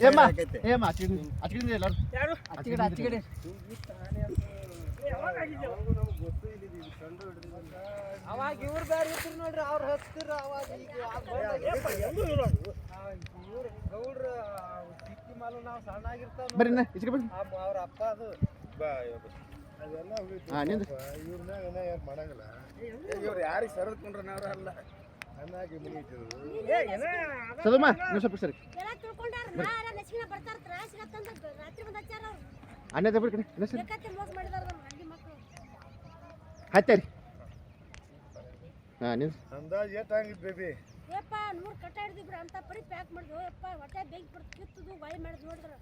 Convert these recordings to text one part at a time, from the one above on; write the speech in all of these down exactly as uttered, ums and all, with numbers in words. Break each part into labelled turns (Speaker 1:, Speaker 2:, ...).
Speaker 1: ಏಮ್ಮ ಏಮ್ಮ ಅಚ್ಚಿಗೆ ಎಲ್ಲರೂ
Speaker 2: ಯಾರು
Speaker 1: ಅಚ್ಚಿಗಡೆ ಅಚ್ಚಿಗಡೆ
Speaker 2: ಅವಾಗ ಇವ್ರು ಬೇರೆ ಇದ್ರು ನೋಡ್ರಿ ಅವ್ರು ಹಚ್ತಿರ ಅವಾಗ ಈಗ ಗೌಡ್ರ ಚಿಕ್ಕಿ ಮಾಲು ನಾವು ಸಣ್ಣ ಆಗಿರ್ತಾವ
Speaker 1: ಬರ್ರಿ ಇಚ್ಚಿಗೆ ಬರ್ರಿ
Speaker 2: ಅವ್ರ ಅಪ್ಪ ಅದು
Speaker 3: ಅದೆಲ್ಲ
Speaker 1: ಹಾಂ ನಿಂದು
Speaker 3: ಇವ್ರನ್ನ ಯಾರು ಮಾಡಂಗಿಲ್ಲ
Speaker 2: ಇವ್ರು ಯಾರಿಗೆ ಸರದ್ಕೊಂಡ್ರ ನಾವ್ರ ಅಲ್ಲ
Speaker 3: ಚೆನ್ನಾಗಿ ಮುಗಿತಿದ್ರು
Speaker 1: ಸದಮ್ಮ ನೀವು ಸ್ವಲ್ಪ ಸರಿ ಅನ್ನದ ಬಿಡಿ ಕಡೆ ಇಲ್ಲ ಸರಿ ಹತ್ತರಿ ಹಾಂ ನೀವು
Speaker 3: ಅಂದಾಜು ಎಷ್ಟು ಆಗಿತ್ತು ಬೇಬಿ
Speaker 4: ಯಪ್ಪ ನೂರು ಕಟ್ಟ ಹಿಡಿದಿಬ್ರು ಅಂತ ಪರಿ ಪ್ಯಾಕ್ ಮಾಡಿದ್ವು ಯಪ್ಪ ಹೊಟ್ಟೆ ಬೆಂಕಿ ಬಿಡ್ತು ಕಿತ್ತದು ಬಾಯಿ ಮಾಡಿದ್ ನೋಡಿದ್ರ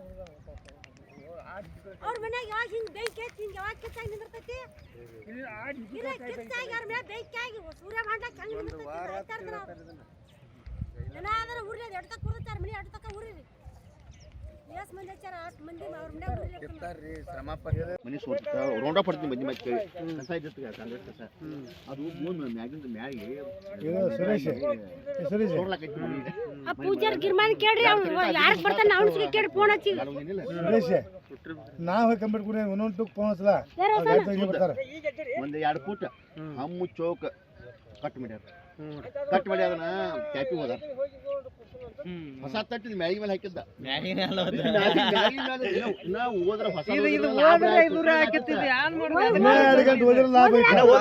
Speaker 4: ಅವ್ರ ಮನ್ಯಾಗ ಯಾವಾಗ ಹಿಂಗೆ ಬೆಂಕಿ ಐತಿ ಹಿಂಗೆ ಯಾವಾಗ ಕಿತ್ತಾಗಿ ನಿಂದಿರ್ತೈತಿ ಇಲ್ಲ ಕಿತ್ತಾಗಿ ಅವ್ರ ಮನ್ಯಾಗ ಬೆಂಕಿ ಆಗಿ ಸೂರ್ಯ ಮಾಡ್ಲಾಕ ಹೆಂಗೆ ನಿಂದಿರ್ತೈತಿ ಏನಾದ್ರೆ ಉರ್ಲಿ ಅದು ಎಡ್ತಕ್ಕ ಉರ್ತಾರ ಮನೆ ಎಡ್ತಕ್ಕ ಉರಿರಿ ಎಷ್ಟು ಮಂದಿ ಹಚ್ಚಾರ ಅಷ್ಟು ಮಂದಿ ಅವ್ರ ಮನ್ಯಾಗ ಉರ್ಲಿ
Speaker 2: ಶ್ರಮ
Speaker 1: ಮನೆ ಸೋತ ರೌಂಡ ಪಡ್ತೀನಿ ಮಂದಿ ಮತ್ತೆ ಕಸ ಇದ್ದಿತ್ತು ಕಾಂಗ್ರೆಸ್ ಕಸ ಅದು ಮೂರು ಮ್ಯಾಗಿಂದ ಮ್ಯಾಗೆ
Speaker 3: ಸುರೇಶ್ ಸುರೇಶ್
Speaker 1: ನೋಡ್ಲಾಕೈತಿ ಮನೆ
Speaker 4: ಆ ಪೂಜಾರ್ ಗಿರ್ಮಾನ್ ಕೇಳ್ರಿ ಅವ್ನು ಯಾರಿಗೆ ಬರ್ತಾನೆ ಅವ್ನ ಸಿಗಿ ಕೇಳಿ ಫೋನ್ ಹಚ್ಚಿ
Speaker 3: ಸುರೇಶ್ ನಾವು ಕಂಪ್ಲೀಟ್ ಕೂಡ ಒಂದೊಂದು ಟುಕ್ ಫೋನ್ ಹಚ್ಚಲ ಬರ್ತಾರೆ
Speaker 1: ಒಂದು ಎರಡು ಫೂಟ್ ಹಮ್ಮು ಚೌಕ ಕಟ್ ಮಾಡ್ಯಾರ ಕಟ್ ಮಾಡಿ ಅದನ್ನ ಕ್ಯಾಪಿ ಹೋದ ಹೊಸ ತಟ್ಟಿದ ಮ್ಯಾಗಿ ಮೇಲೆ ಹಾಕಿದ್ದ ನಾವು ಹೋದ್ರ ಹೊಸ
Speaker 3: ಎರಡು ಗಂಟೆ ಹೋದ್ರೆ ಲಾಭ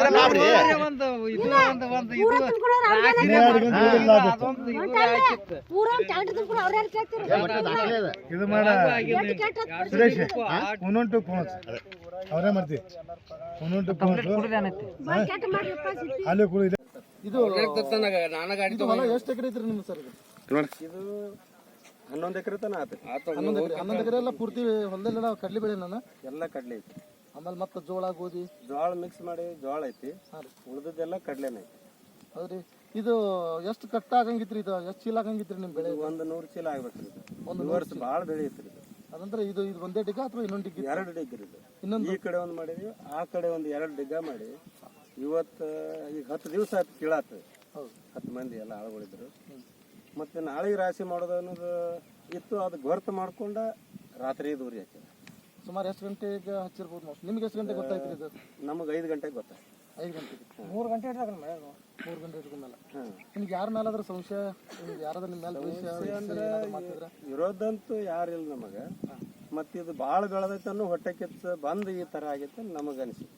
Speaker 4: ಪೂರ ಟ್ಯಾಕ್ಟರ್ ಕೂಡ ಅವ್ರ ಯಾರು ಕೇಳ್ತಿರು
Speaker 3: ಇದು ಮಾಡ ಸುರೇಶ್ ಒಂದೊಂದು ಟುಕ್ ಫೋನ್ ಅವರೇ ಮಾಡ್ತೀವಿ ಒಂದೊಂದು ಟುಕ್ ಫೋನ್
Speaker 4: ಕೆಟ್ಟ ಮಾಡ್ಲಪ್ಪ ಸಿಟ್ಟಿ
Speaker 3: ಅಲ್ಲಿ ಕೂಡ ಇದೆ
Speaker 1: ಇದು ಇದು ಹೊಲ ಎಷ್ಟು ಎಕರೆ ಐತ್ರಿ ನಿಮ್ಮ ಸರ್
Speaker 2: ಇದು ಹನ್ನೊಂದು ಎಕರೆ ತನ ಆತ
Speaker 1: ಹನ್ನೊಂದು ಎಕರೆ ಹನ್ನೊಂದು ಎಕರೆ ಎಲ್ಲ ಪೂರ್ತಿ ಹೊಲದಲ್ಲೆಲ್ಲ ಕಡ್ಲಿ ಬೆಳೆ ನಾನು
Speaker 2: ಎಲ್ಲ ಕಡ್ಲೆ ಐತಿ
Speaker 1: ಆಮೇಲೆ ಮತ್ತೆ ಜೋಳ ಗೋಧಿ
Speaker 2: ಜೋಳ ಮಿಕ್ಸ್ ಮಾಡಿ ಜೋಳ ಐತಿ ಉಳಿದದ್ದೆಲ್ಲ ಕಡ್ಲೆನೇ ಐತಿ
Speaker 1: ಹೌದ್ರಿ ಇದು ಎಷ್ಟು ಕಟ್ಟ ಆಗಂಗಿತ್ರಿ ಇದು ಎಷ್ಟು ಚೀಲ ಆಗಂಗಿತ್ರಿ ನಿಮ್ಮ ಬೆಳೆ
Speaker 2: ಒಂದು ನೂರು ಚೀಲ ಆಗ್ಬೇಕ್ರಿ ಇದು
Speaker 1: ಒಂದು
Speaker 2: ಒಂದು ವರ್ಷ ಭಾಳ ಬೆಳೆ ಐತ್ರಿ ಇದು
Speaker 1: ಅದಂದ್ರೆ ಇದು ಇದು ಒಂದೇ ಡಿಗ್ಗ ಅಥವಾ ಇನ್ನೊಂದು ಡಿಗ್ಗಿ
Speaker 2: ಎರಡು ಡಿಗ್ರಿ ಇದು
Speaker 1: ಇನ್ನೊಂದು
Speaker 2: ಈ ಕಡೆ ಒಂದು ಮಾಡಿದ್ವಿ ಆ ಕಡೆ ಒಂದು ಎರಡು ಡಿಗ್ಗ ಮಾಡಿ ಇವತ್ತು ಈಗ ಹತ್ತು ದಿವಸ ಆಯ್ತು ಕೀಳಾತು
Speaker 1: ಹೌದು
Speaker 2: ಹತ್ತು ಮಂದಿ ಎಲ್ಲ ಆಳುಗಳಿದ್ರು ಮತ್ತೆ ನಾಳೆಗೆ ರಾಶಿ ಮಾಡೋದು ಅನ್ನೋದು ಇತ್ತು ಅದು ಗೊರ್ತು ಮಾಡ್ಕೊಂಡ ರಾತ್ರಿ ದೂರಿ ಹಾಕಿದ
Speaker 1: ಸುಮಾರು ಎಷ್ಟು ಗಂಟೆಗೆ ಹಚ್ಚಿರ್ಬೋದು ನಾವು ನಿಮ್ಗೆ ಎಷ್ಟು ಗಂಟೆಗೆ ಗೊತ್ತಾಯ್ತು ಇದು
Speaker 2: ನಮಗೆ ಐದು ಗಂಟೆಗೆ ಗೊತ್ತಾಯ್ತು
Speaker 1: ಐದು ಗಂಟೆಗೆ
Speaker 2: ಮೂರು ಗಂಟೆ ಇಟ್ಟಾಗಲ್ಲ
Speaker 1: ಮೂರು ಗಂಟೆ ಇಟ್ಕೊಂಡಲ್ಲ
Speaker 2: ಹಾಂ
Speaker 1: ನಿಮ್ಗೆ ಯಾರ ಮೇಲಾದ್ರೂ ಸಂಶಯ ನಿಮ್ಗೆ ಯಾರಾದ್ರೂ ನಿಮ್ಮ ಮೇಲೆ ದ್ವೇಷ
Speaker 2: ಅಂದ್ರೆ
Speaker 1: ಮಾಡ್ತಿದ್ರ
Speaker 2: ಇರೋದಂತೂ ಯಾರಿಲ್ಲ ನಮಗೆ ಮತ್ತು ಇದು ಭಾಳ ಬೆಳೆದೈತೆ ಅನ್ನೋ ಹೊಟ್ಟೆ ಕಿತ್ತು ಬಂದು ಈ ಥರ ಆಗೈತೆ ನಮಗೆ ಅನಿಸಿತು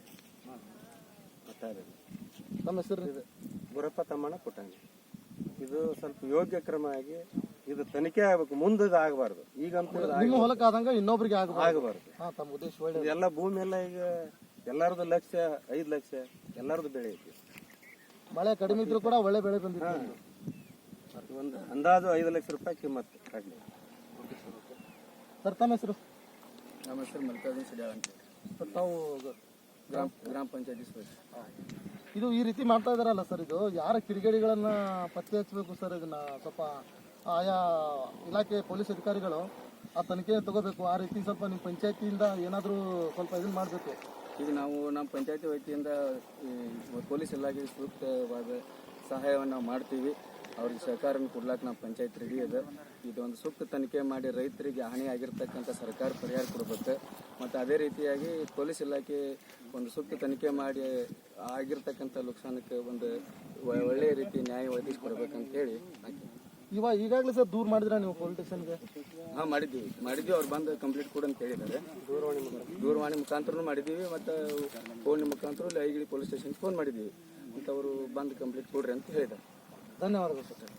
Speaker 2: ಒಟ್ಟಾರೆ
Speaker 1: ನಮ್ಮ ಹೆಸರು
Speaker 2: ಇದು ಗುರಪ್ಪ ತಮ್ಮಣ್ಣ ಪುಟ್ಟಂಗಿ ಇದು ಸ್ವಲ್ಪ ಯೋಗ್ಯ ಕ್ರಮ ಆಗಿ ಇದು ತನಿಖೆ ಆಗ್ಬೇಕು ಮುಂದೆ ಇದು ಆಗಬಾರ್ದು ಈಗಂತೂ ಇದು
Speaker 1: ನಿಮ್ಮ ಹೊಲಕ್ಕೆ ಆದಂಗ ಇನ್ನೊಬ್ರಿಗೆ ಆಗಬಾರ್ದು
Speaker 2: ಆಗಬಾರ್ದು
Speaker 1: ಹಾ ತಮ್ಮ ಉದ್ದೇಶ ಒಳ್ಳೆ
Speaker 2: ಎಲ್ಲ ಭೂಮಿ ಎಲ್ಲ ಈಗ ಎಲ್ಲರದು ಲಕ್ಷ ಐದು ಲಕ್ಷ ಎಲ್ಲರದು ಬೆಳೆ ಐತಿ
Speaker 1: ಮಳೆ ಕಡಿಮೆ ಇದ್ರೂ ಕೂಡ ಒಳ್ಳೆ ಬೆಳೆ ಬಂದಿದೆ
Speaker 2: ಒಂದು ಅಂದಾಜು ಐದು ಲಕ್ಷ ರೂಪಾಯಿ ಕಿಮ್ಮತ್ತು ಕಡ್ಲೆ
Speaker 1: ಸರ್ ತಮ್ಮ ಹೆಸರು
Speaker 2: ನಮ್ಮ ಹೆಸರು ಮಲ್ಲಿಕಾರ್ಜುನ ಸಿಡಿಯಾಳ ಅಂತ
Speaker 1: ಸರ್ ತಾವು
Speaker 2: ಗ್ರಾಮ ಗ್ರಾಮ ಪಂಚಾಯತಿ ಸದಸ್ಯ
Speaker 1: ಇದು ಈ ರೀತಿ ಮಾಡ್ತಾ ಇದಾರಲ್ಲ ಸರ್ ಇದು ಯಾರ ಕಿಡಿಗೇಡಿಗಳನ್ನ ಪತ್ತೆ ಹಚ್ಚಬೇಕು ಸರ್ ಇದನ್ನ ಸ್ವಲ್ಪ ಆಯಾ ಇಲಾಖೆ ಪೊಲೀಸ್ ಅಧಿಕಾರಿಗಳು ಆ ತನಿಖೆ ತಗೋಬೇಕು ಆ ರೀತಿ ಸ್ವಲ್ಪ ನಿಮ್ಮ ಪಂಚಾಯತಿಯಿಂದ ಏನಾದರೂ ಸ್ವಲ್ಪ ಇದನ್ನ ಮಾಡಬೇಕು
Speaker 2: ಈಗ ನಾವು ನಮ್ಮ ಪಂಚಾಯತಿ ವತಿಯಿಂದ ಪೊಲೀಸ್ ಇಲಾಖೆ ಸೂಕ್ತವಾದ ಸಹಾಯವನ್ನು ನಾವು ಮಾಡ್ತೀವಿ ಅವ್ರಿಗೆ ಸಹಕಾರನ ಕೊಡ್ಲಾಕ ನಮ್ಮ ಪಂಚಾಯತ್ ರೆಡಿ ಇದೆ ಇದೊಂದು ಸೂಕ್ತ ತನಿಖೆ ಮಾಡಿ ರೈತರಿಗೆ ಹಾನಿ ಆಗಿರ್ತಕ್ಕಂಥ ಸರ್ಕಾರ ಪರಿಹಾರ ಕೊಡಬೇಕು ಮತ್ತು ಅದೇ ರೀತಿಯಾಗಿ ಪೊಲೀಸ್ ಇಲಾಖೆ ಒಂದು ಸೂಕ್ತ ತನಿಖೆ ಮಾಡಿ ಆಗಿರ್ತಕ್ಕಂಥ ನುಕ್ಸಾನಕ್ಕೆ ಒಂದು ಒಳ್ಳೆಯ ರೀತಿ ನ್ಯಾಯ ಒದಗಿಸ್ಕೊಡ್ಬೇಕಂತ ಹೇಳಿ
Speaker 1: ಇವಾಗ ಈಗಾಗಲೇ ಸರ್ ದೂರ ಮಾಡಿದ್ರ ನೀವು ಪೊಲೀಸ್ ಸ್ಟೇಷನ್ಗೆ
Speaker 2: ಹಾಂ ಮಾಡಿದ್ದೀವಿ ಮಾಡಿದ್ದೀವಿ ಅವ್ರು ಬಂದು ಕಂಪ್ಲೀಟ್ ಕೊಡು ಅಂತ ಹೇಳಿದ್ದಾರೆ ದೂರವಾಣಿ ದೂರವಾಣಿ ಮುಖಾಂತರನೂ ಮಾಡಿದ್ದೀವಿ ಮತ್ತು ಫೋನ್ ಮುಖಾಂತರ ಐಗಿಳಿ ಪೊಲೀಸ್ ಸ್ಟೇಷನ್ಗೆ ಫೋನ್ ಮಾಡಿದ್ದೀವಿ ಮತ್ತು ಅವರು ಬಂದು ಕಂಪ್ಲೀಟ್ ಕೊಡ್ರಿ ಅಂತ ಹೇಳಿದ್ದಾರೆ
Speaker 1: ಧನ್ಯವಾದಗಳು ಸರ್